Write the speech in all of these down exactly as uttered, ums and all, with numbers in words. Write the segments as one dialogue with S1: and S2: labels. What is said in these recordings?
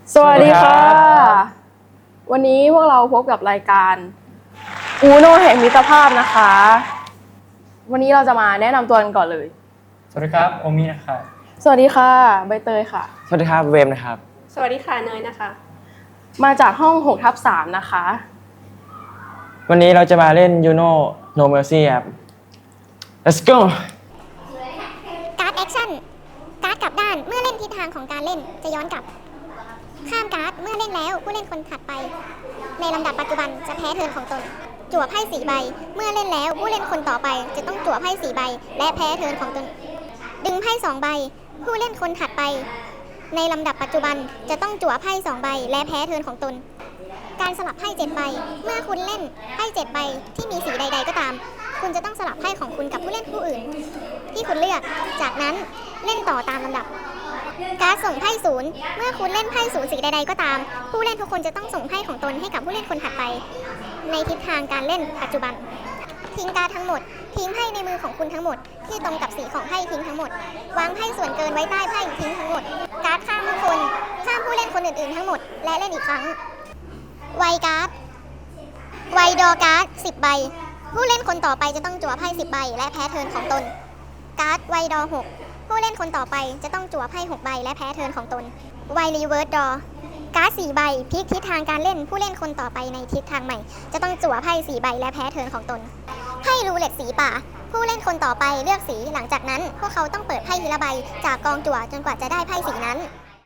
S1: สวัสดีค่ะวันนี้พวกเราพบกับรายการอูโนแห่งมิตรภาพนะคะวันนี้เราจะมาแนะนำตัวกันก่อนเลย
S2: สวัสดีครับโอมินะครับ
S1: สวัสดีค่ะใบเตยค่ะ
S3: สวัสดีครับเวมนะครับ
S4: สวัสดีค่ะเนยนะคะ
S1: มาจากห้อง หกทับสาม นะคะ
S3: วันนี้เราจะมาเล่น You Know No Mercy ครับ Let's go
S5: การ์ดแอคชั่นการ์ดกลับด้านเมื่อเล่นทิศทางของการเล่นจะย้อนกลับข้ามการ์ดเมื่อเล่นแล้วผู้เล่นคนถัดไปในลำดับปัจจุบันจะแพ้เทิร์นของตนจั่วไพ่สี่ใบเมื่อเล่นแล้วผู้เล่นคนต่อไปจะต้องจั่วไพ่สี่ใบและแพ้เทิร์นของตนดึงไพ่สองใบผู้เล่นคนถัดไปในลำดับปัจจุบันจะต้องจั่วไพ่สองใบและแพ้เทิร์นของตนการสลับไพ่เจ็ดใบเมื่อคุณเล่นไพ่เจ็ดใบที่มีสีใดๆก็ตามคุณจะต้องสลับไพ่ของคุณกับผู้เล่นผู้อื่นที่คุณเลือกจากนั้นเล่นต่อตามลำดับการส่งไพ่ศูนย์เมื่อคุณเล่นไพ่ศูนย์สีใดๆก็ตามผู้เล่นทุกคนจะต้องส่งไพ่ของตนให้กับผู้เล่นคนถัดไปในทิศทางการเล่นปัจจุบันทิ้งการ์ดทั้งหมดทิ้งไพ่ในมือของคุณทั้งหมดที่ตรงกับสีของไพ่ทิ้งทั้งหมดวางไพ่ส่วนเกินไว้ใต้ไพ่ทิ้งทั้งหมดการ์ดข้ามทุกคนข้ามผู้เล่นคนอื่นๆทั้งหมดและเล่นอีกครั้งไวการ์ดไวดอการ์ดสิบใบผู้เล่นคนต่อไปจะต้องจั่วไพ่สิบใบและแพ้เทิร์นของตนการ์ดไวดอหกผู้เล่นคนต่อไปจะต้องจั่วไพ่หกใบและแพ้เทิร์นของตนไวรีเวิร์สดอการ์ดสี่ใบพลิกทิศทางการเล่นผู้เล่นคนต่อไปในทิศทางใหม่จะต้องจั่วไพ่สี่ใบและแพ้เทิร์นของตนไพ่รูเล็ตสีป่าผู้เล่นคนต่อไปเลือกสีหลังจากนั้นพวกเขาต้องเปิดไพ่ทีละใบจากกองจั่วจนกว่าจะได้ไพ่สีนั้น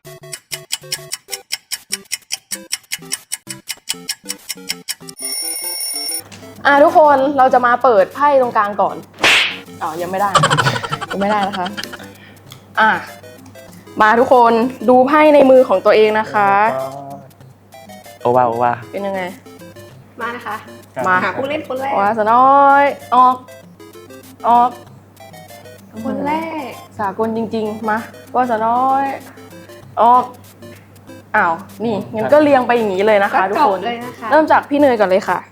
S1: อ่ะทุกคนเราจะมาเปิดไพ่ตรงกลางก่อนอ๋อยังไม่ได้ยังไม่ได้นะคะอ่ะมาทุกคนดูไพ่ในมือของตัวเองนะคะ
S3: โอวาโอวา
S1: เป็นยังไง
S4: มานะคะ
S1: มา
S4: หาผู้เล่นคนแรก
S1: ว่าสน้อยออกออก
S4: คนแรก
S1: สากลจริงๆมาว่าสน้อยออกอ้าวนี่งั้นก็เรียงไปอย่างนี้เลยนะคะทุกคน
S4: เลยนะคะ
S1: เริ่มจากพี่เนยก่อนเลยค่ะ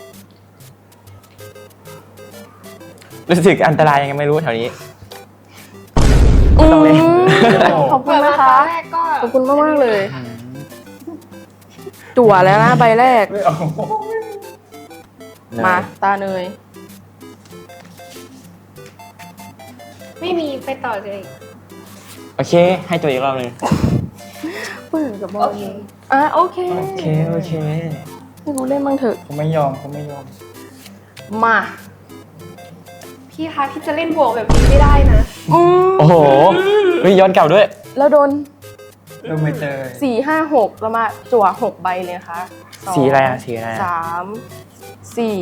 S3: รู้สึกอันตรายยังไงไม่รู้แถวนี้
S1: ต้องเล่นขอบคุณนะคะขอบคุณมากมากเลยจั่วแล้วนะใบแรกมาตาเนย
S4: ไม่มีไปต่อเลย
S3: โอเคให้ตัวอีกรอบหนึ่ง
S1: เปิดกับบอลอ่ะโอเค
S3: โอเคโอเค
S1: ให้กูเล่นบ้างเถอะ
S2: ผมไม่ยอมผมไม่ยอม
S1: มา
S4: พี่คะพี่จะเล่นบวกแบบนี้ไม่ได้นะ
S3: โอ้โหย้อนเก่าด้วย
S1: แล้วโดน
S2: โดนไม่เจอ
S1: สี่ห้าหกแล้วมาจั่วหกใบเลยค่ะ
S3: สีอะไรอ่ะสีอะไร
S1: สามสี่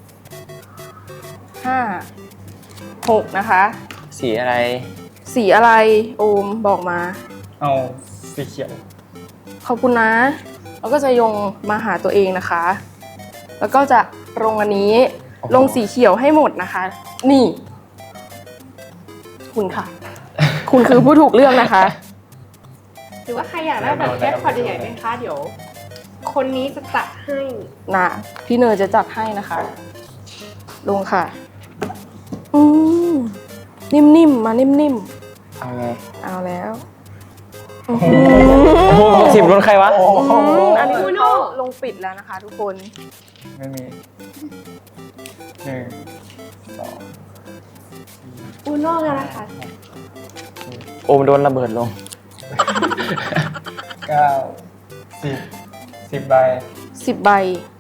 S1: ห้าหกนะคะ
S3: สีอะไร
S1: สีอะไรโอมบอกมา
S2: เอาสีเขียว
S1: ขอบคุณนะแล้วก็จะยงมาหาตัวเองนะคะแล้วก็จะลงอันนี้ลงสีเขียวให้หมดนะคะนี่คุณค่ะคุณคือผู้ถูกเลือกนะคะ
S4: หรือว่าใครอยากได้แบบแจ็คพอตใหญ่ไหมคะเดี๋ยวคนนี้จะจัดให้
S1: นะพี่เนยจะจัดให้นะคะลงค่ะอืมนิ่มๆมานิ่ม
S3: ๆเอาไง
S1: เอาแล้ว
S3: สิบรุ่นใครวะ
S1: อันนี้คุณลงปิดแล้วนะคะทุกคน
S2: ไม่มีหนึ่งสอง
S4: อูโน่กันนะคะ
S3: โอมโดนระเบิดลง
S2: เก้าสิบสิบใบ
S1: สิบใบ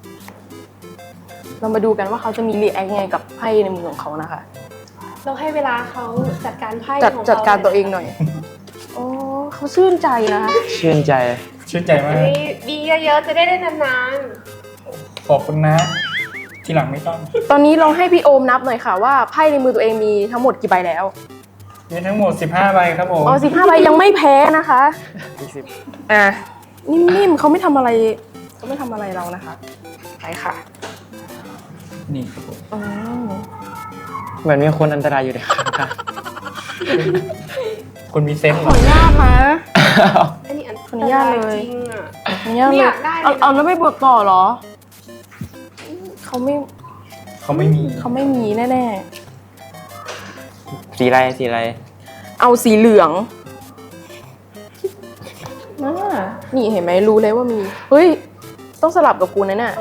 S1: เรามาดูกันว่าเขาจะมีรีแอคยังไงกับไพ่ในมือของเขานะคะ
S4: เราให้เวลาเขาจัดการไพ่
S1: จัดจัดการตัวเองหน่อยโอ้เขาชื่นใจนะคะ
S3: ชื่นใจ
S2: ชื่นใจมาก
S4: ดีเยอะๆจะได้ได้นาน
S2: ๆขอบคุณนะทีหลังไม่ต้อง
S1: ตอนนี้ลองให้พี่โอมนับหน่อยค่ะว่าไพ่ในมือตัวเองมีทั้งหมดกี่ใบแล้ว
S2: มีทั้งหมดสิบห้าใบครับผม
S1: อ๋อสิบห้าใบยังไม่แพ้นะคะอีกสิบอ่ะนิ่มๆเขาไม่ทำอะไรเขาไม่ทำอะไรเรานะคะไปค่ะ
S2: นี่ครับผม
S1: อ๋อ
S3: เหมือนมีคนอันตรายอยู่เลยค่ะ
S2: คนมีเซนส์
S1: ขออนุญาตนะ
S4: อันนี้
S1: ขออนุญาตเลย
S4: จริงอ่ะ
S1: ขออนุญาตเลยเอาเอาแล้วไม่บวกต่อเหรอเขาไม่
S2: เขาไม่มี
S1: เขาไม่มีแน่
S3: ๆสีอะไรสีอะไร
S1: เอาสีเหลืองอ่านี่เห็นไหมรู้เลยว่ามี เฮ้ย ต้องสลับกับกูนะเนี่ย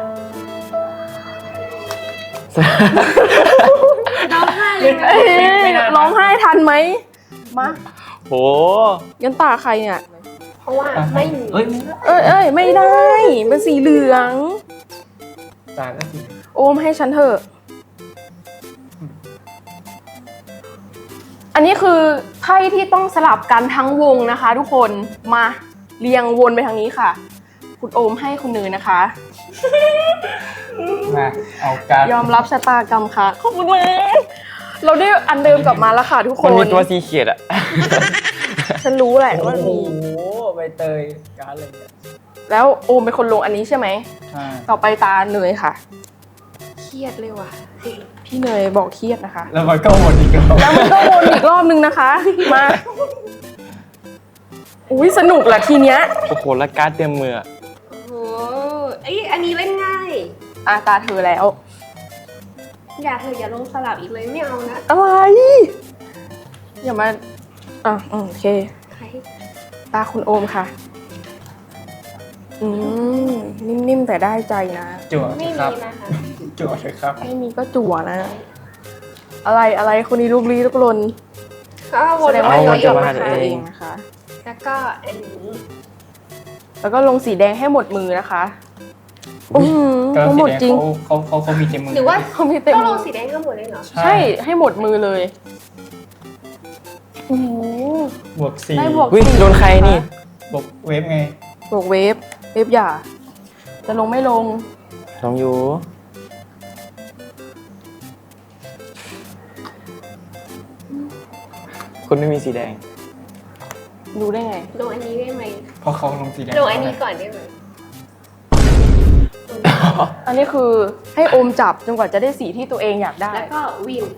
S4: ร้องไห้เลยนะ
S1: เอ้ยร้องไห้ทันไหม มา
S3: โห
S1: ยันตาใครเนี่ย
S4: เพราะว่าไม่มี
S2: เอ้ย
S1: เอ้ยเอ้ยไม่ได้ เป็นสีเหลือง
S2: ตาก็สี
S1: โอมให้ฉันเถอะ อันนี้คือไพ่ที่ต้องสลับกันทั้งวงนะคะ ทุกคน มาเรียงวนไปทางนี้ค่ะ คุณโอมให้คุณเนยนะคะ
S2: มาเอาการ
S1: ยอมรับชะตากรรมค่ะ ขอบคุณมากเราได้อันเดิมกลับมาแล้วค่ะทุกค
S3: คน นมีตัวสีเขียดอะ
S1: ฉันรู้แหละ
S2: โอ้
S1: ว่า
S2: โห
S1: มี
S2: ใบเตยการอะไรเนี่ย
S1: แล้วโอมเป็นคนลงอันนี้ใช่ไหม
S2: ใช่
S1: ต่อไปตาเนยค่ะ
S4: เครียดเลยว่ะ
S1: พี่เนยบอกเครียดนะคะ
S2: แล้วมันก็หมดอีกแล้ว
S1: แล้วมันก็วนอีกรอบนึงนะคะ มา อุ้ยสนุกแหละทีเนี้ย
S3: โอ้โห แล้วการ์ดเต็มมืออะ
S4: โอ้โหไอยอันนี้เล่นง่าย
S1: อ่ะตาเธอแล้ว
S4: อย่าเธออย่าลงสลับอีกเลยไม่เอานะ
S1: อะไร อย่ามา อ่ะอืมโอเค
S4: ใคร
S1: ตาคุณโอมค่ะ อืม นิ่มๆแต่ได้ใจนะ
S2: จั่ว
S4: ไม่
S2: ค
S4: มี
S2: รับ
S4: นะคะ
S2: จั่วเลยครับ
S1: ไม่มีก็จั่วนะ อะไรอะไรคนนี้ลูกลี้ลูกลน
S4: ก็ว
S1: แส
S4: น
S1: ดง
S4: มา
S1: ว่า
S4: เย
S1: ย้อน
S4: อะ
S1: กลับ
S4: ๆ
S1: มา
S4: นะคะ
S1: หาตัวเองนะคะ
S4: แล้วก็อันนี้
S1: แล้วก็ลงสีแดงให้หมดมือนะคะอืม
S2: ก็
S1: ทั้ง
S2: สี
S1: หมด
S2: แดง
S1: จริง
S2: เขาเขาเขาเขามีเต็มมือ
S4: หรือว่า
S1: เขามีเต็ม
S4: ต้องล
S1: มื
S4: ง
S1: อ
S4: สีแดงทั้งหมดเลยเหรอ
S1: ใช่ ให้หมดมือเลยโอ้โห
S2: บวกสี่
S1: ได้บวก
S3: วิโดนใครนี่
S2: บวกเวฟไง
S1: บวกเวฟ เวฟหย่า จะลงไม่ลง
S3: ลองอยู่ คุณไม่มีสีแดง
S1: รู้ได้ไง
S4: ลงอันนี้ได้ไหม
S2: เพราะเขาลงสีแดง
S4: ลงอันนี้ก่อนได้ไหม
S1: อันนี้คือให้โอมจับจนกว่าจะได้สีที่ตัวเองอยากได้
S4: แล้วก็วิน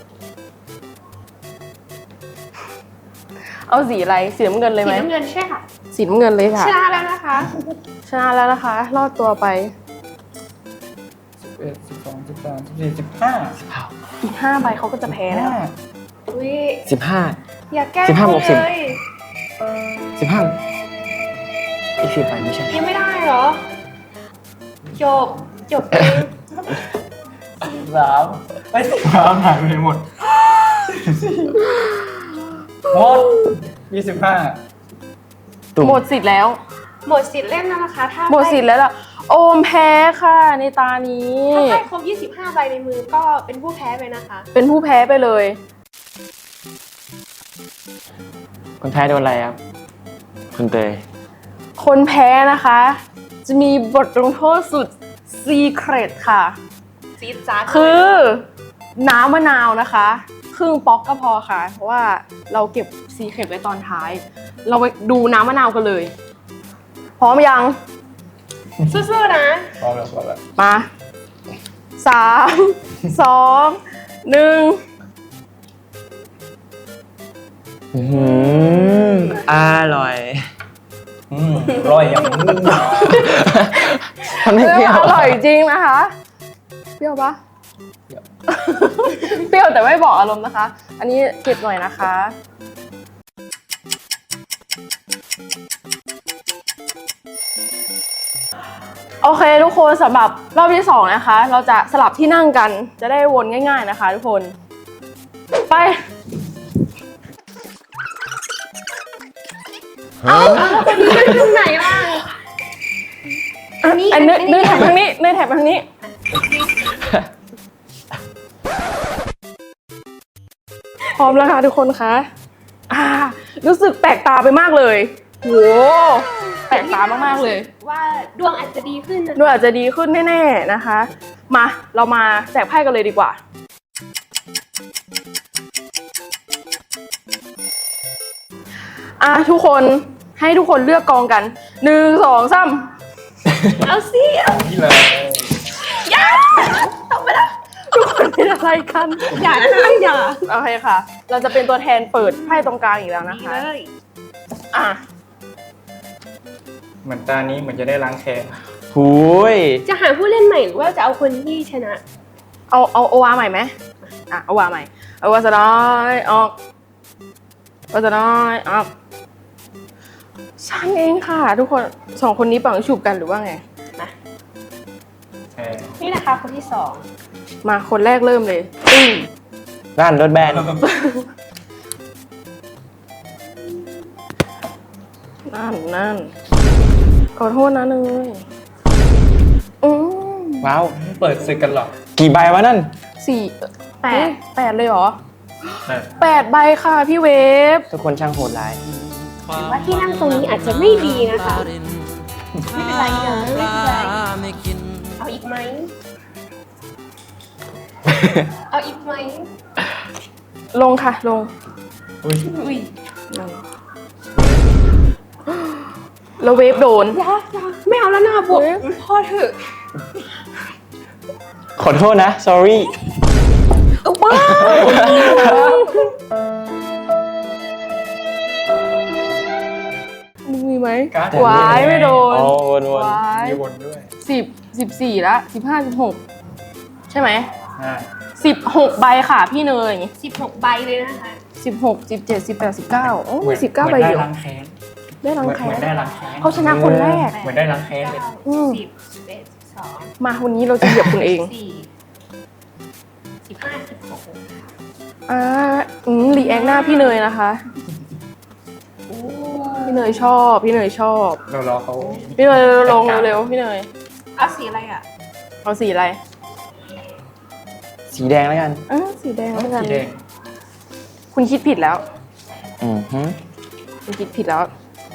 S1: เอาสีอะไร สีน้ำเงินเลย
S4: สี
S1: ไหม
S4: น้ำเงินใช่ค่ะ
S1: สีน้ำเงินเลยค่ะ
S4: ชนะแล้วนะคะ
S1: ชนะแล้วนะคะ รอดตัวไป
S2: สิบเอ็ดสิบสองสิบสามสิบสี่สิบห้า
S1: อีกห้าใบเขาก็จะแพ้แล้ว
S2: ห้า
S4: อุ้ย
S3: สิบห้า
S4: อย่าแกล้ง
S3: สิบห้า
S4: เขา
S3: บวกสิบ
S4: เลย
S3: สิบห้าอีกสิบไปไม่ใช่
S4: ยังไม่ได้เหรอ จบ จบเอง
S2: สามไอ้ยสิบสามหายไปหมดหมดยี่สิบห้า
S3: ตุ่ม
S1: หมดสิทธิ์แล้ว
S4: หมดสิทธิ์เล่นแล้วนะคะ ถ้า
S1: หมดสิทธิ์แล้วล่ะ โอมแพ้ค่ะในตานี้
S4: ถ้าได้ครบยี่สิบห้าใบในมือก็เป็นผู้แพ้ไปนะคะ
S1: เป็นผู้แพ้ไปเลย
S3: คนแพ้โดนอะไรครับ คุณเตย
S1: คนแพ้นะคะ จะมีบทลงโทษสุดซีเครตค่ะ
S4: ซีดจ๊าด
S1: คือน้ำมะนาวนะคะ ครึ่งป๊อกก็พอค่ะ เพราะว่าเราเก็บซีเครตไว้ตอนท้าย เราไปดูน้ำมะนาวกันเลย พร้อมยัง
S4: สู้ๆนะ
S2: พร้อมแล้วพร้อมแล้ว
S1: มาสามสองหนึ่ง
S3: อืมอร่อย
S2: อืมร่อยอย่างนี้
S3: ทำให้เปรี้ยว
S1: อร่อยจริงนะคะ เปรี้ยวปะ
S2: เดี๋ยว
S1: เปรี้ยวแต่ไม่บอกอารมณ์นะคะ อันนี้เก็บหน่อยนะคะ โอเคทุกคนสำหรับรอบที่สองนะคะ เราจะสลับที่นั่งกันจะได้วนง่ายๆนะคะทุกคน ไป
S4: เอาเอาคนนี้เป็นตรงไหนล่ะ อันนี้
S1: อันเนื้อ
S4: อันนี้
S1: เนื้อแถบทางนี้เนื้อแถบทางนี้ พร้อมแล้วค่ะทุกคนคะอ่ารู้สึกแปลกตาไปมากเลยโหแปลกตามากๆเลย
S4: ว่าดวงอาจจะดีขึ้นนะ
S1: ดูอาจจะดีขึ้นแน่ๆนะคะ มาเรามาแจกไพ่กันเลยดีกว่า อ่ะทุกคนให้ทุกคนเลือกกองกันหนึ่งสองสาม
S4: เอาสิเอา
S2: นี่เลย
S1: อย่าตกไปแล้วทุกคนเป็นอะไรกัน
S4: อย่านะคะอย่า
S1: โอเคค่ะ เราจะเป็นตัวแทนเปิดไพ่ตรงกลางอีกแล้วนะ
S4: ดี
S1: คะ
S4: เลย
S1: อ่ะ
S2: เหมือนตานี้เหมือนจะได้ล้างแค้น
S3: หูย
S4: จะหาผู้เล่นใหม่หรือว่าจะเอาคนที่ชนะ
S1: เอาเอาโอวาใหม่ไหมอ่ะโอวาใหม่เอาวาสดายออกวาสดายออกฉันเองค่ะ ทุกคนสองคนนี้เป่าฉุบกันหรือว่าไง
S2: เออ
S4: นี่นะคะคนที่สอง
S1: มาคนแรกเริ่มเลยอืม
S3: ด้านรถแบน
S1: นั่นนั่นขอโทษนะเนยอืม
S3: ว้าว
S2: เปิดศึกกันหรอ
S3: กี่ใบวะนั่น
S1: สี่
S4: แป
S1: เฮ้
S4: ด
S1: ยแปดเลยเหรอ
S2: เออ
S1: แปดใบค่ะพี่เวฟ
S3: ทุกคนช่างโหดร้าย
S4: ถือว่าที่นั่งตรงนี้อาจจะไม่ดีนะคะ ไม่เป็นไรนะไม่เป็นไร เอาอีกไหม เอาอีกไหม
S1: ลงค่ะลง
S2: อุ้ย
S4: อุ้ย
S1: นั่นแล้วเวฟโดน
S4: อยาอยาไม่เอาแล้วนะบวก
S1: เฮ้ย
S4: พอเถอะ
S3: ขอโทษนะ sorry
S1: ว้าวมึงมีไหม
S2: การ์ด
S1: วายไม่โดน
S3: อ๋อวนวน
S1: วาย
S2: มีวนด้วย
S1: สิบสิบสี่ละสิบห้าสิบหกใช่ไหม
S2: อ่า
S1: สิบหกใบค่ะพี่เนย
S4: สิบหกใบเลยนะคะ
S1: สิบหกสิบเจ็ดสิบแปดสิบเก้าโอ้
S2: เหมือน
S1: สิบเก้า
S2: เห
S1: ใบ
S2: มือนได้
S1: เดียว
S2: ล้างแค้น
S1: ได้รัง
S2: เหมือน
S1: แค้
S2: เหมือน
S1: น
S2: ได้ล้างแค้น
S1: เขาชนะคนแรก
S2: เหมือนได้ล้างแค้นเลย
S1: อืม
S4: สิบสิบเอ็ดสิบสอง
S1: มาวันนี้เราจะเหยียบคุณเอง
S4: สี่สิบห้าสิบหก
S1: อ่าอืมรีแอคหน้าพี่เนยนะคะ
S4: โอ้
S1: พี่เนยชอบพี่เนยชอบ
S2: เรารอเขา
S1: พี่เนยลงเร็วๆพี่เนย
S4: เอาสีอะไรอ่ะ
S1: เอาสีอะไร
S3: สีแดงแล้วกัน
S1: อ่าสีแดงแล้วกัน
S2: สีแดง
S1: คุณคิดผิดแล้ว
S3: อือฮึ
S1: คุณคิดผิดแล้ว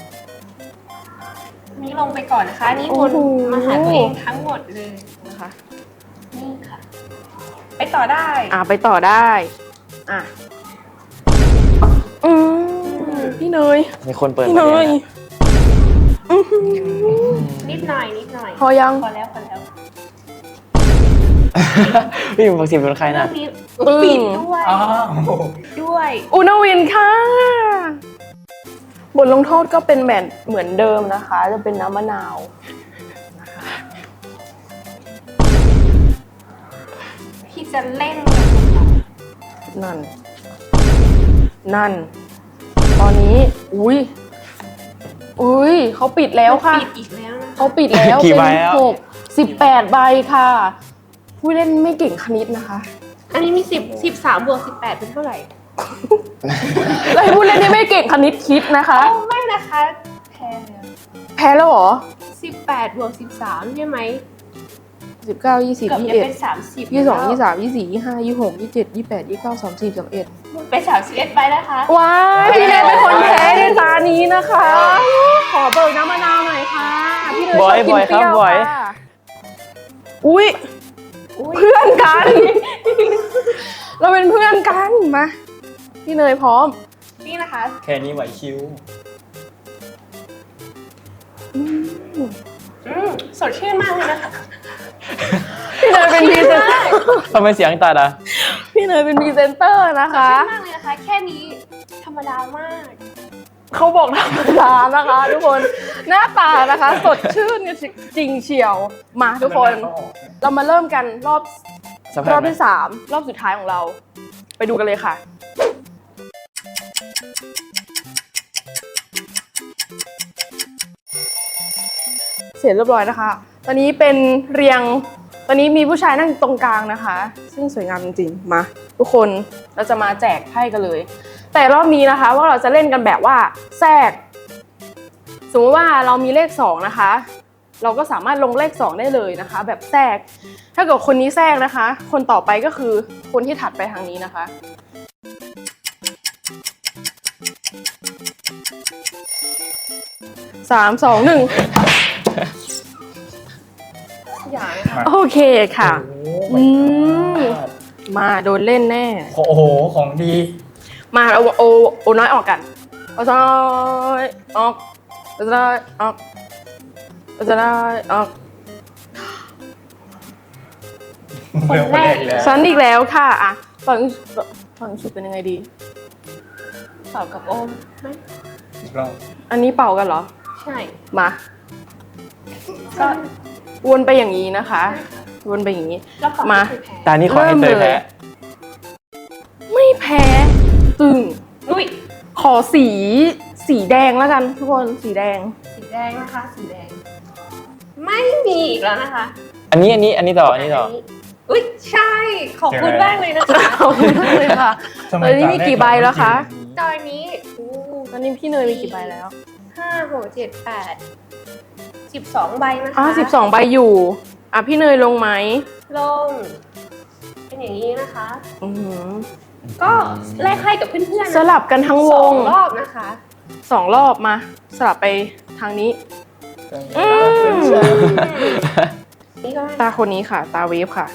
S4: อันนี้ลงไปก่อนนะคะอันนี้
S1: โอ้
S4: วน
S1: โห
S4: มาหาตัวเองทั้งหมดเลย
S1: นะคะ
S4: นี่ค่ะ ไปต่อได้
S1: อ่าไปต่อได้ อ่ะอืมพี่เนย
S3: มีคนเปิด
S1: พี่เน
S3: มาเลย
S1: ย
S3: นะ
S1: อื้อหือ
S4: นิดหน่อยนิดหน่อย
S1: พอยัง
S4: พอแล้วพอแล้ว
S3: พี่บอกสิบเป็นใคร
S4: เรื่
S3: นะ
S4: องนี้
S1: อืม
S4: ปิดด้วย
S2: อ้าว
S4: ด้วย
S1: อุณวินค่ะ บทลงโทษก็เป็นแบบเหมือนเดิมนะคะ จะเป็นน้ำมะนาว
S4: พี่จะเล่น
S1: นั่น นั่น ตอนนี้ อุ้ย อุ้ยเขาปิดแล้วค่ะ
S4: ปิดอีกแล้วนะ
S1: เขาปิดแล้ว
S3: กี่
S1: เป็น
S3: ใบแล้ว
S1: หกสิบแปดใบค่ะ ผู้เล่นไม่เก่งคณิตนะคะ
S4: อันนี้มีสิบสิบสามบวกสิบแปดเป็นเท่าไหร่
S1: แล้วให้ผู้เล่นที่ไม่เก่งคณิตคิดนะคะ
S4: โอ้ไม่นะคะ แพ้แล้ว
S1: แพ้แล้วเหรอ
S4: สิบแปดบวกสิบสามใช่ไหม
S1: สิบเก้า ยี่สิบ
S4: เกือบ
S1: ยี่
S4: จะ
S1: สิบเอ็ด
S4: เป็นสามสิบ
S1: ยี่สิบสอง ยี่สิบสาม ยี่สิบสี่ ยี่สิบห้า ยี่สิบหก ยี่สิบเจ็ด ยี่สิบแปด ยี่สิบเก้า สามสิบ สามสิบเอ็ด
S4: เป็นสามสิบเอ็ดไปนะคะ
S1: ว้ายพี่เนยเป็นคนแพ้ในตานี้นะคะ ขอเบิกน้ำมะนาวหน่อยค่ะ พี่เนยชอบกินเปรี้ยวค่ะอุ้ยเพื่อนกัน เราเป็นเพื่อนกันมาพี่เนยพร้อม
S4: นี่นะคะ
S2: แค่นี้ไหวคิ้ว
S4: อืมสดชื่นมากเลยนะคะ
S1: พี่เนยเป็นพรีเซนเตอร์
S3: ทำไมเสียงตัดอ่ะ
S1: พี่เนยเป็นพรีเซนเตอร์นะ
S4: สด
S1: คะ
S4: ชื่นมากเลยนะคะ แค่นี้ธรรมดามาก
S1: เขาบอกธรรมดานะคะ ทุกคนหน้าตานะคะ สดชื่นจริงเชียวมาทุกคน เรามาเริ่มกันรอบ
S3: สภาร พ
S1: อบ
S3: ไหม
S1: ที่สามรอบสุดท้ายของเรา ไปดูกันเลยค่ะ เสร็จเรียบร้อยนะคะ ตอนนี้เป็นเรียง ตอนนี้มีผู้ชายนั่งตรงกลางนะคะ ซึ่งสวยงามจริงๆ มา ทุกคนเราจะมาแจกไพ่กันเลย แต่รอบนี้นะคะว่าเราจะเล่นกันแบบว่าแทรก สมมติว่าเรามีเลขสองนะคะ เราก็สามารถลงเลขสองได้เลยนะคะ แบบแทรก ถ้าเกิดคนนี้แทรกนะคะ คนต่อไปก็คือคนที่ถัดไปทางนี้นะคะ สาม สอง หนึ่ง
S4: อย่าง
S1: โอเคค่ะ
S2: โอ้
S1: อืม มาโดนเล่นแน่
S2: โอ้โห ของดี
S1: มาเอาโอโอน้อยออกกันเอาจะน้อยออกเอาจะน้อยออกเอาจะน้อยออก
S2: คนแรกอีกแล้ว
S1: ฉันอีกแล้วค่ะอ่ะฝั่งฝั่งสุดเป็นยังไงดี
S4: ตอบกับโอมไหม
S2: อีกรอบ
S1: อันนี้เป่ากันเหรอ
S4: ใช่
S1: มา
S4: ก็
S1: วนไปอย่างนี้นะคะ วนไปอย่างนี้
S4: แล้วก็
S1: มา
S4: คือแพ้
S3: ตานี้ขอให้เตย
S1: เริ่มเลย
S3: แพ้
S1: ไม่แพ้ ตึง
S4: อุ้ย
S1: ขอสีสสีแดงแล้วกันทุกคนสีแดง
S4: สีแดงนะคะ สีแดง ไม่มีอีกแล้วนะคะ
S3: อันนี้อันนี้อันนี้ต่ออันนี้ต่อ
S4: อุ้ยใช่ ขอบคุณมากเลยนะคะ
S1: ขอบคุณมากเลยค่ะ
S2: ทำไม
S1: ตอนนี้มีกี่ใบแล้วคะ
S4: ตอนนี้อู้
S1: ตอนนี้พี่เนยมีกี่ใบแล้ว
S4: ห้าหกเจ็ดแปดสิบสองใบนะคะ
S1: อ่าสิบสองใบอยู่อ่ะพี่เนยลงไหม
S4: ลง เป็นอย่างนี้นะคะ
S1: อือหือ
S4: ก็แลกให้กับเพื่อนๆ
S1: สลับกันทั้งว
S4: สอง งรอบนะคะ
S1: สองรอบมาสลับไปทางนี้อืม
S4: นี่ก็
S1: ตาคนนี้ค่ะ ตาเวฟค่ะ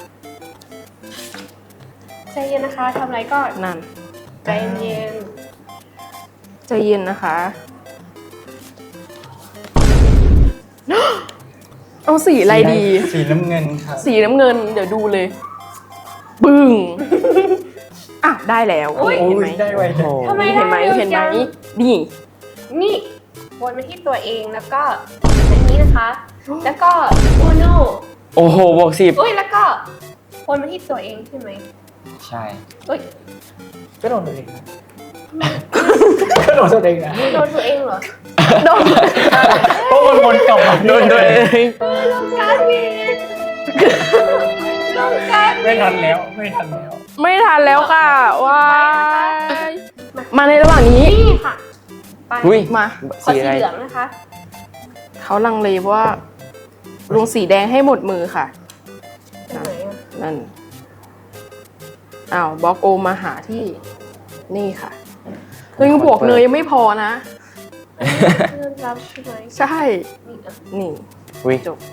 S4: ใจเย็นนะคะทำอะไรก็
S1: นั่น
S4: ใจเย็น
S1: ใจเย็นนะคะ เอาสีอะไรดี
S2: สีน้ำเงินครับ
S1: สีน้ำเงิน เดี๋ยวดูเลย บึ้งอ่ะได้แล้ว
S2: โอ้ย
S1: เห็นไหม
S2: ได้ไวจัง
S4: ทำไม
S1: เห็นไหม
S4: ได้เร็ว
S1: เห็นไหม
S4: จัง
S1: นี่
S4: นี่วนมาที่ตัวเองแล้วก็อันนี้นะคะ แล้วก็โอโน
S3: โอ้โหบวกสิบ
S4: อุ้ยแล้วก็วนมาที่ตัวเองใช่ไหม
S3: ใช่
S4: อุ้ย
S2: ก็โดนตัวเองนะก็โดนตัวเองนะ
S4: โดนตัวเองเหรอ
S1: โดน
S2: เพราะมันวนกลับมา
S3: โดนตัวเอง
S4: ลงการบินลงการบิ
S2: ไม่
S4: น
S2: ทันแล้วไม่ทันแล้ว
S1: ไม่ทันแล้วค่ะว้ายมาในระหว่างนี้
S4: นี่ค่ะไป
S3: อุ้ย
S1: มา
S4: ขอ
S3: สี
S4: สี
S3: อะไร
S4: เหลืองนะคะ
S1: เขาลังเลเพราะว่าลงสีแดงให้หมดมือค่ะ
S4: ตรงไหนอ่ะ
S1: นั่นอ้าวบล็อกโอมมาหาที่นี่ค่ะเฮ้ยบวกเนยยังไม่พอนะ
S4: เพื่อนรับใช่ไหม
S1: ใช่
S4: นี่อ่ะ
S1: นี่
S3: อุ้ย
S1: จบ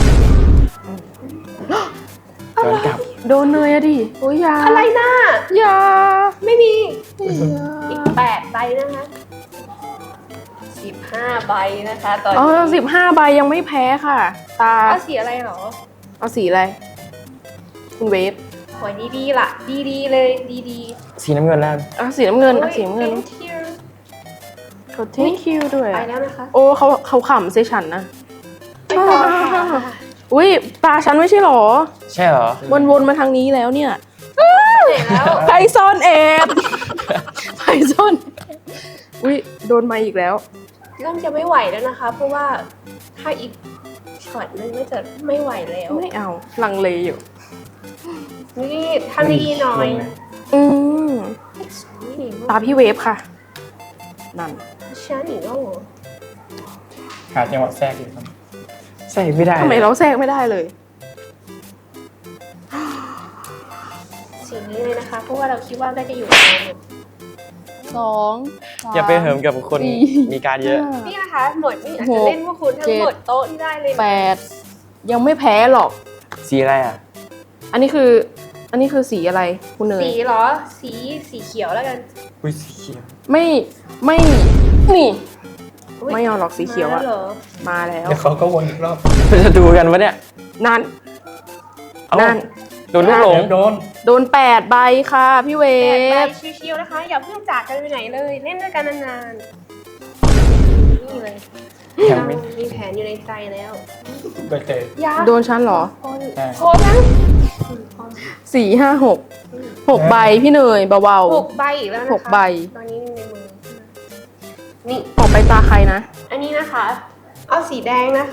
S3: ย้อนกลับ
S1: โดนเนยอะดิโอ้ยอยา
S4: อะไรนะ
S1: อยา
S4: ไม่มี
S1: อย่า
S4: อีกแปดใบนะคะสิบห้าใบนะคะตอน
S1: อ๋อ
S4: นี้
S1: สิบห้าใบยังไม่แพ้ค่ะ ตา
S4: เอาสีอะไรเหรอ
S1: เอาสีอะไร คุณเวฟ
S4: หวยดีๆล่ะ ดีๆเลยดี
S3: สีน้ำเงินแล้ว
S1: เอาสีน้ำเงิน
S4: ๆ
S1: เอาสีน้ำเงิน
S4: thank you
S1: เขา thank you ด้วย
S4: ไป
S1: อะ
S4: แล้วนะคะ
S1: โอ้เขาเขาขำใส่ฉันนะ
S4: ไปต่อค่ะ
S1: อุ้ยตาฉันไม่ใช่หรอ
S3: ใช่เหรอ
S1: วนๆมาทางนี้แล้วเนี่ย
S4: เสร็จแล้ว
S1: ใครซ่อนแอบใครซ่อนอุ้ยโดนมาอีกแล้ว
S4: เริ่มจะไม่ไหวแล้วนะคะ เพราะว่าถ้าอีกช็อตนึงก็จะไม่ไหวแล้ว
S1: ไม่เอาลังเลอยู่
S4: นี่ทำดีๆหน่อย
S1: อืม
S4: นี่
S1: ตาพี่เวฟค่ะ นั่น
S4: ฉันอีกแล้วเหรอ
S2: หาจังหวะแทรกอยู่ครับ
S3: ใส่ไม่ได้
S1: ทำไมเราแทรกไม่ได้เลย
S4: สีนี้เลยนะคะ เพราะว่าเราคิดว่าได้จะอยู่ในหมด
S1: สองสม
S3: อย่าไปเหิมกับคน
S1: สี่
S3: มีการเยอะ
S1: ห้า
S4: นี่นะคะหมดนี่อาจจะเล่นพวกคุณทั้งหมดโต๊ะที่ได้เลยนะ
S1: แปดยังไม่แพ้หรอก
S3: สีอะไรอ่ะ
S1: อันนี้คือ อันนี้คือสีอะไรคุณเนย
S4: สีเหรอ สีสีเขียวแล้วกัน
S3: อุ้ยสีเขียว
S1: ไม่ไม่นี่
S4: อุ๊ย
S1: ไม่เอาหรอกสีเขียวอะ
S4: มาแล้เหรอ
S1: มาแล้ว
S2: เดี๋ยวเขาก็วนอีกรอบ
S3: จะดูกันวะเนี่ย
S1: นั่น
S3: เอ้า
S1: นั่น
S3: โดนลูกหลง
S2: เดี๋ยวโดน
S1: โดนแปดใบค่ะพี่เว
S4: แปดใบ
S1: ฟ
S4: ชิวๆนะคะ อย่าเพิ่งจากกันไปไหนเลย เล่นด้วยกันนานๆนี่เลย
S3: ยัง
S4: เรา
S3: ไม่
S4: มีแผนอยู่ในใจแล้ว
S2: ใบเตย
S4: ยา
S1: โดนฉันเหรอ
S4: คน
S2: ใช่
S4: โคนนะ
S1: สี่ห้าหกหกใบพี่เนยเบา
S4: หกใบอีกแล้วนะคะ
S1: หกใบ
S4: ตอนนี้ในมือนี่
S1: ๆต่อไปตาใครนะ
S4: อันนี้นะคะ เอาสีแดงนะคะ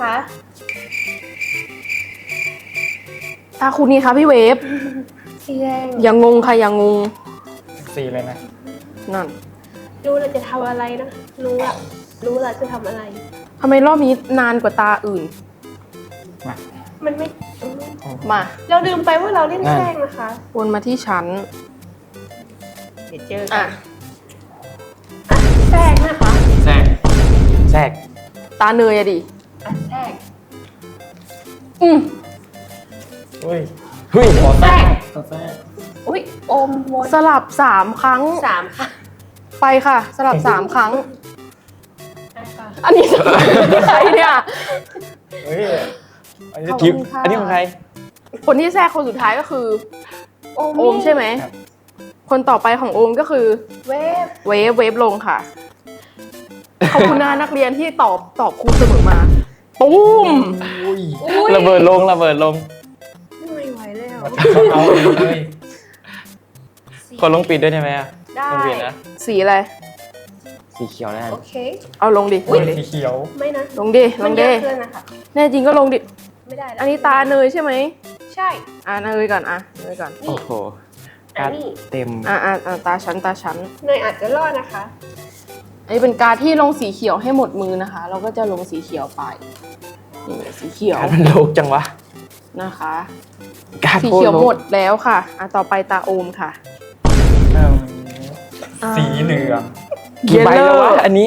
S1: ตาคุณนี่คะพี่เวฟ
S4: สีแดง
S1: อย่างงงค่ะอย่างงง
S2: สีเลยนะ
S1: นั่น
S4: รู้เราจะทำอะไรนะ รู้อะรู้เราจะทำอะไร
S1: ทำไมรอบนี้นานกว่าตาอื่น
S2: มา
S4: มันไม่
S1: มา
S4: เราลืมไปว่าเราเล่นแทรกนะคะ
S1: วนมาที่ฉัน
S4: เดี๋ยวเจอกั
S1: อ่ะ
S4: นอ่ะแทรกนะคะ
S3: แทรกแทรก
S1: ตาเนยอะดิ
S4: อ่ะแทรก
S1: อืม
S2: อุ้ย
S3: เฮ้ย
S2: ขอแทรกขอแทรก
S4: อุ้ยอมวน
S1: สลับสามครั้ง
S4: สามค่ะ
S1: ไปค่ะ สลับสามครั้ง
S4: อ่ะค่ะ
S1: อันนี้ใครเนี่ย
S2: เฮ้ยอันนี้
S1: ขอบ
S3: กิฟ
S1: คุณค่ะ
S3: อันนี้ของใคร
S1: คนที่แทรกคนสุดท้ายก็คือ
S4: โอม
S1: โอมใช่ไหม คนต่อไปของโอมก็คือ
S4: เวฟ
S1: เวฟเวฟลงค่ะ ขอบคุณนะนักเรียนที่ตอบตอบครูเสมอมาปุ้ม
S2: อุ้ย
S4: อุ้ย
S3: ระเบิดลงระเบิดลง
S4: ไม่ไหวแล้ว
S2: เขาเอาเลย
S3: คนลงปิดด้วยใช่ไหมอ่ะ
S4: ได้
S3: ลงปิดนะ
S1: สีอะไร
S4: ส
S3: สีเขียวแน่
S4: โอเค
S1: เอาลงดิ
S2: อุ้ยสีเขียว
S4: ไม่นะ
S1: ลงดิ ล
S4: มัน
S1: ง
S4: เย
S1: ดิ
S4: อะเกินนะคะ
S1: แน่จริงก็ลงดิ
S4: ไม่ได้แล้ว
S1: อันนี้ตาเนยใช่ไหม
S4: ใช่
S1: อ่าเนยก่อน อ่ะเนยก่อน
S3: โอ้โห
S4: อั
S3: กาน ร์ด
S4: นี้
S3: เต็ม
S1: อ่าอ่าอ่าตาชั้นตาชั้น
S4: เนยอาจจะรอดนะคะ
S1: อันนี้เป็นการดที่ลงสีเขียวให้หมดมือนะคะ เราก็จะลงสีเขียวไป นี่สีเขียว
S3: การ์ดมันโลกจังวะ
S1: นะคะ
S3: การ์ด
S1: สี
S3: โคตร
S1: เขียว
S3: โลก
S1: หมดแล้วค่ะ อ่ะต่อไปตาโอมค่ะ
S2: อืมสีเหลือง
S3: กี่ใบแล้ววะ
S1: Yellow
S3: อันนี้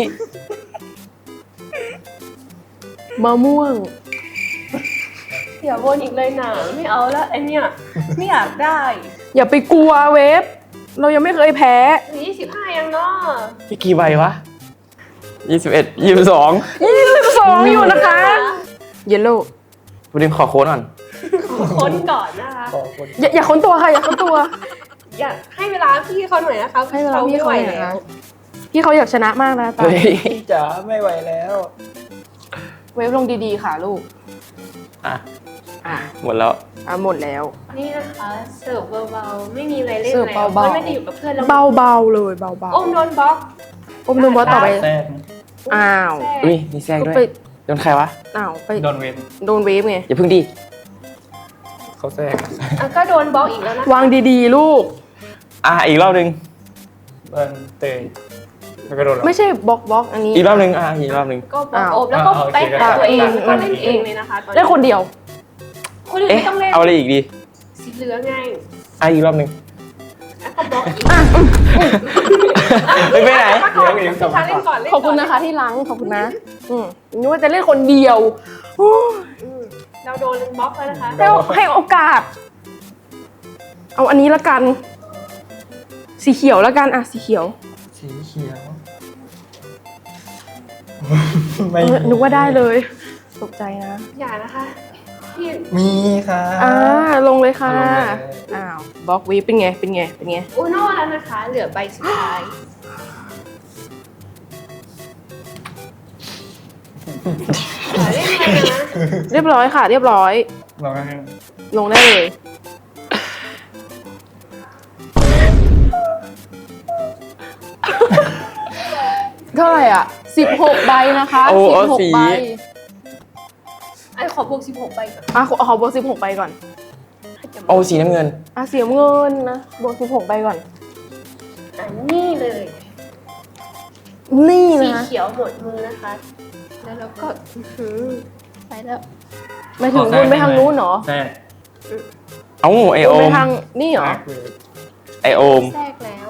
S1: มะม่วง
S4: อย่าวนอีกเลยนะไม่เอาแล้วไอเนี่ยไม่อยากได้
S1: อย่าไปกลัวเวฟ เรายังไม่เคยแพ้
S4: ยี่สิบห้ายังเนาะ
S3: พี่กี่ใบวะยี่สิบเอ็ดยี่สิบสอง
S1: ยี่สิบสองอยู่นะคะ เยลโล่
S3: วันนี้ขอโค้ดก่อน
S4: ค้นก่อนนะคะ
S2: ขอบคุณ
S1: อย่าอย่าค้นตัวค่ะ อย่าค้นตัว
S4: อยากให้เวลาพี่เขาหน่อยนะคะ
S1: ให้เวลาพี่เขาหน่อย
S4: ไม่ไหว
S1: นะ
S4: แล้ว
S1: พี่เขาอยากชนะมากนะตา
S3: เฮ้ย
S2: จ๋าไม่ไหวแล้ว
S1: เวฟลงดีๆค่ะลูก
S3: อ่ะ
S1: อ่ะ
S3: หมดแล้ว
S1: อ่ะหมดแล้ว
S4: นี่นะคะเสิร์ฟเบาๆไม่มีอะไรเล่น
S1: เสิร์ฟ
S4: แล้ว
S1: เบาๆ
S4: เพราะน่าจะอยู่กับเพื่อนแล้ว
S1: เบาๆเลยเบา
S4: อมโดนบล็อก
S1: ๆอมดูบอสต่อไป
S2: แทรก
S1: อ้าว
S4: แทรก
S3: อุ้ยมีแทรก
S1: ก็
S3: ด้วย
S1: ไป
S3: โดนใครวะ
S1: อ้าวไป
S2: โดนเวน
S1: โดนเวฟไง
S3: อย่าเพิ่งดิ
S2: เขาแทรก
S4: อ่ะก็โดนบล็อกอีกแล้วนะ
S1: วางดีๆ ลูก
S3: อ่ะอีกรอบหนึง
S2: เบิร์นเตยแล้วก็โดนเรา
S1: ไม่ใช่บล็อกบล็อกอันนี้
S3: อีกรอบหนึงอ่ะอีกรอบหนึง
S4: ก็บล็อก
S1: อ้าว
S4: โอบแล้วก็
S2: อ่าโอเค
S4: ไปหาตัวเอง
S1: ได้
S4: ก็เล่นเองเลยนะคะตอน
S1: ได้
S4: นี้
S1: คนเดียว
S4: คนอื่น
S3: เอ๊ะ
S4: ไม่ต้องเล่น
S3: เอาอะไรอีกดี
S4: สีเหลืองไง
S3: อ่ะอีกรอบหนึง
S4: แล้วก็บล็อกอีก
S3: เฮ้ยไปไหน
S4: มาก่อนพี่ชาเล่นก่อนเล่น
S1: ขอบคุณนะคะที่ล้างขอบคุณนะ อืมนึกว่าจะเล่นคนเดียวโอ้ย
S4: อืมเราโดนบล็อกแล้วนะคะ
S1: ให้ให้โอกาส เอาอันนี้ละกัน สีเขียวละกัน อ่ะ สีเขียว
S2: สีเขียว ไม่
S1: เออนึกว่าได้เลย ตกใจนะ
S4: อย่านะคะพี่
S2: มีค่ะ
S1: อ่า ลงเลยค่ะ
S2: ลงเลย
S1: อ้าว บล็อกวีเป็นไง เป็นไง เป็นไง
S4: อุโน่แล้วนะคะ เหลือใบสุดท้ายอย่าเล่นเลยนะ
S1: เรียบร้อยค่ะ เรียบร้อย
S2: ลองให้
S1: ลงได้เลย เท่าไหร่อ่ะสิบหกใบนะคะ
S3: โอ้
S1: สิบ
S3: เอา
S1: หก
S3: สี
S1: ใบ
S4: ไอ้ขอบวกสิบหกใบก่อน
S1: อ่ะขอขอบวกสิบหกใบก่อน
S3: โอ้สีน้ำเงิน
S1: อ่ะเสียเงินนะ บวกสิบหกใบก่อน
S4: อันนี้เลย
S1: นี่
S4: สี
S1: นะ
S4: เขียวหมดมือนะคะ แล้วเราก็อื้อหือไปแล้ว
S1: ไม่ถึงวนไปทางนู้นเหรอ
S2: แทรก
S3: เอ้าไอ
S1: ว
S3: โอน
S1: ไป
S3: ม
S1: ทางนี่เหรอ
S2: แทรกเลย
S3: ไอโอม
S4: แทรกแล้ว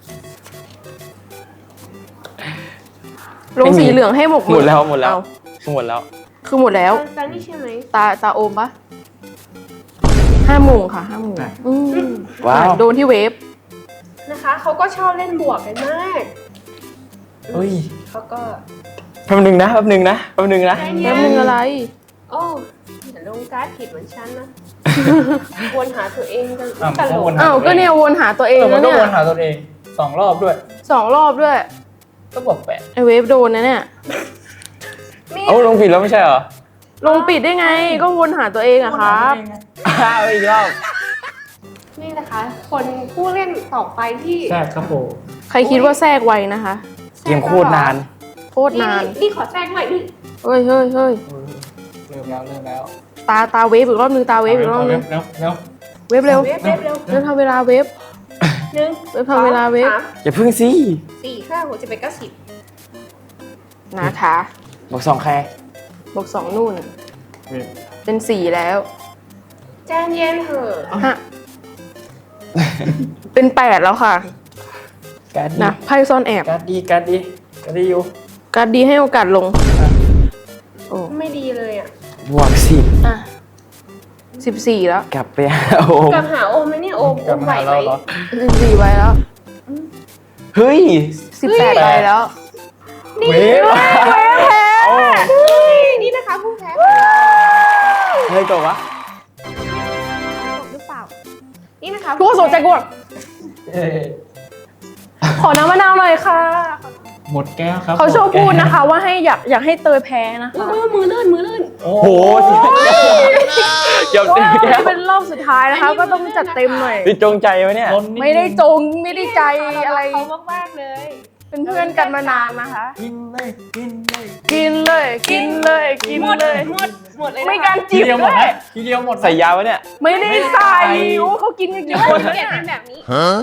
S1: ลงสีเหลืองให้หมก
S3: หมดแล้วหมดแล้ว
S1: เอา
S3: หมดแล้ว
S1: คือหมดแล้ว
S4: ตอนนี้ใช่ไหม
S1: ตาตาโอมปะห้าโมงค่ะห้าโมงอืม
S3: ว้าว
S1: โดนที่เวฟ
S4: นะคะเขาก็ชอบเล่นบวกกันมาก
S3: เฮ้ย
S4: เขาก็
S3: แป๊บนึงนะแป๊บนึงนะแป๊บนึงนะ
S4: ใจ
S1: แป๊
S4: เย็
S1: บ
S4: น
S1: นึงอะไร
S4: โอ้อย่าลงการ์ดผิดเหมือนฉันนะ วนหาตัวเองกัน
S2: อ่ะ
S4: ตล
S2: ก็
S4: ก
S2: วนหา
S1: อ้าว
S2: ตัว
S1: ก็
S2: เอง
S1: เนี่ยวนหาตัวเอง
S2: เออมั
S1: แล้
S2: น
S1: ว
S2: ก็
S1: เนี่
S2: วย นหาตัวเองสองรอบด้วย
S1: สองรอบด้วย
S2: ก็บวกแปด
S1: ไอเวฟโดนนะเนี่ย
S4: นี่
S3: เอ้าลงผิดแล้วไม่ใช่เหรอ
S1: ลงปิดได้ไง ก็วนหาตัวเองอะครับ
S3: อ้าวอีกรอบ
S4: นี่นะคะ คนผู้เล่นต่อไปที่
S2: แทรกครับผม
S1: ใครคิดว่าแทรกไวนะคะ
S3: เกมโคตรนาน
S1: โคตรนาน
S4: นี่ขอแทรกหน่อยนี่
S1: เฮ้ยเฮ้ยเฮ้ย
S2: เริ่มแล้วเริ่มแล้ว
S1: ตาตาเวฟอีกรอบนึงตาเวฟอีกรอบนึง
S2: เร็วเร็ว
S1: เวฟเร็ว
S4: เวฟเวฟเร็ว
S1: เร็วทำเวลาเวฟ
S4: หนึ่ง
S1: เวฟทำเวลาเวฟ
S4: สาม
S3: อย่าพึ่งสิ
S4: สี่ห้าหกเจ็ดแปดเก้าสิบ
S1: นะคะ
S3: บอกสองใคร
S1: บวกสองนู่น
S2: เว็บ
S1: เป็นสี่แล้ว
S4: ใจเย็นเถอะ
S1: ฮะ เป็นแปดแล้วค่ะ
S3: การ์ดดี
S1: นะไพ่ซ่อนแอบ
S2: การ์ดดีการ์ดดีการ์ดดีอยู่
S1: การดดีให้โอกาสลง โอ้
S4: ไม่ดีเลยอ่ะ
S3: บวกสิบ
S1: อ่ะสิบสี่แล้ว
S3: กลับไปหาโอม
S4: กลับหาโอมไหมเนี่ยโอม
S2: ก
S4: โอ
S2: ลับ
S4: ม
S2: มา
S4: ไหว
S2: หา
S4: ไหม
S2: เราเหรอ
S1: สิบสี่ใบแล้ว
S3: เฮ้ย
S1: สิบแปดใบแล้ว
S2: เว็บ
S3: โอ้
S4: นี่นะคะผู้แพ้
S3: เฮ้ยตัววะ
S4: หรือเปล่า นี่นะคะ
S1: ทุกคนสนใจกูอ่ะ
S2: เอ้ย
S1: ขอน้ำมะนาวหน่อยค่ะ
S2: หมดแก้วครับ
S1: เขาชอบ
S2: หมแก้ว
S1: พูดนะคะ ว่าให้อยากอยากให้เตยแพ้นะคะ
S4: มือมือลื่นมือลื่น
S2: โอ้
S3: โหเกือบ
S1: ก็
S3: เต็มแก้ว
S1: เป็นรอบสุดท้ายนะคะ ก็ต้องจัดเต็มหน่อย
S3: พี่จงใจไหมเนี่ย
S2: ล้นนิดนึง
S1: ไม่ได้จงไม่ได้ใจอะไร
S4: เขามากๆเลย
S1: เป็นเพื่อนกันมานานนะคะ
S2: กินเลยกินเลย
S1: กินเลย กินเลย กินเลย
S4: หมดหมดเลย
S1: ไม่
S4: นะ
S1: การ
S2: ที
S1: จีบ
S2: เดียวหม
S1: ด้
S2: ด
S1: ว
S2: ไหม
S1: ย
S2: ทีเดียวหมดไหม
S3: ใส่ยาวะเนี่ย
S1: ไม่ได้ใส่โอ้เขากินกันเยอะ
S4: เก็บเป็นแบบนี้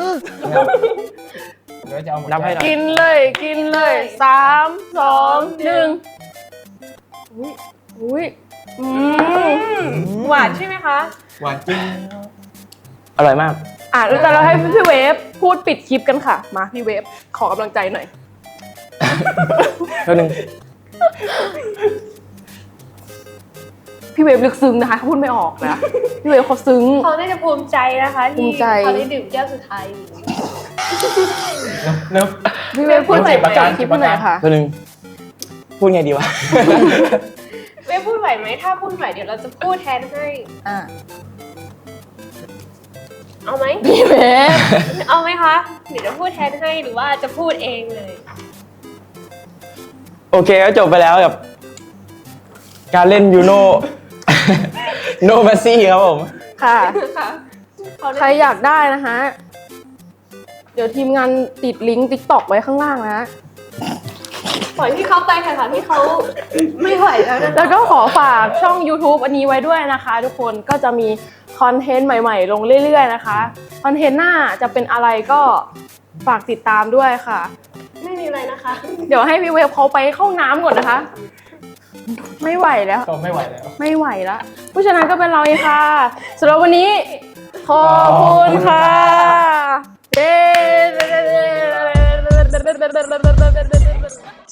S2: เดี๋ยวจะเอาหมด
S3: นับให้หน่อย
S1: กินเลย กินเลยสามสองหนึ่งอุ้ยอุ้ยอืม
S4: หวานใช่ไหมคะ
S2: หวานจริง
S3: อร่อยมาก
S1: อ่ะแล้วแต่เราให้พี่เวฟพูดปิดคลิปกันค่ะ มาพี่เวฟขอกำลังใจหน่อย
S3: เท่านึง
S1: พี่เวฟลึกซึ้งนะคะเขาพูดไม่ออกนะพี่เวฟเขาซึ้ง
S4: เขาน่าจะภูมิใจนะคะ
S1: ภู
S4: ที่
S1: มิใจ
S4: เขาได้ดื่มแก้วสุดท้าย
S2: เนอะ
S1: พี่เวฟพูดใหม่
S2: เก็บอาการ
S1: คลิปหน่อยค่ะ
S3: เท่านึง พูดไงดีวะ
S4: เว้ยพูดไหวไหมถ้าพูดไหวเดี๋ยวเราจะพูดแทนให้
S1: อ่ะ
S4: เอาไหม
S1: พี่เวฟ
S4: เอาไหมคะเดี๋ยวจะพูดแทนให้หรือว่าจะพูดเองเลย
S3: โอเคก็จบไปแล้วกับ การเล่นยูโน โนมาซี่ครับผม
S1: ค่ะ
S4: ค่ะเขา
S1: ใครอยากได้นะคะ เดี๋ยวทีมงานติดลิงก์ติ๊กต็อกไว้ข้างล่างนะ
S4: ปล่อยพี่เขาไปค่ะค่ะพี่เขาไม่ไหวแล้วนะคะ
S1: แล้วก็ขอฝากช่อง YouTube อันนี้ไว้ด้วยนะคะ ทุกคนก็จะมีคอนเทนต์ใหม่ๆ ลงเรื่อยๆนะคะ คอนเทนต์หน้าจะเป็นอะไรก็ฝากติดตามด้วยค่ะ
S4: ไม่มีอะไรนะคะ
S1: เดี๋ยวให้พี่เวฟเขาไปเข้าน้ำก่อนนะคะ ไม่ไหวแล้ว
S2: ก็ไม่ไหวแล้ว
S1: ไม่ไหวละผู้ชนะก็เป็นเราเองค่ะสำหรับวันนี้ ขอบคุณค่ะเย้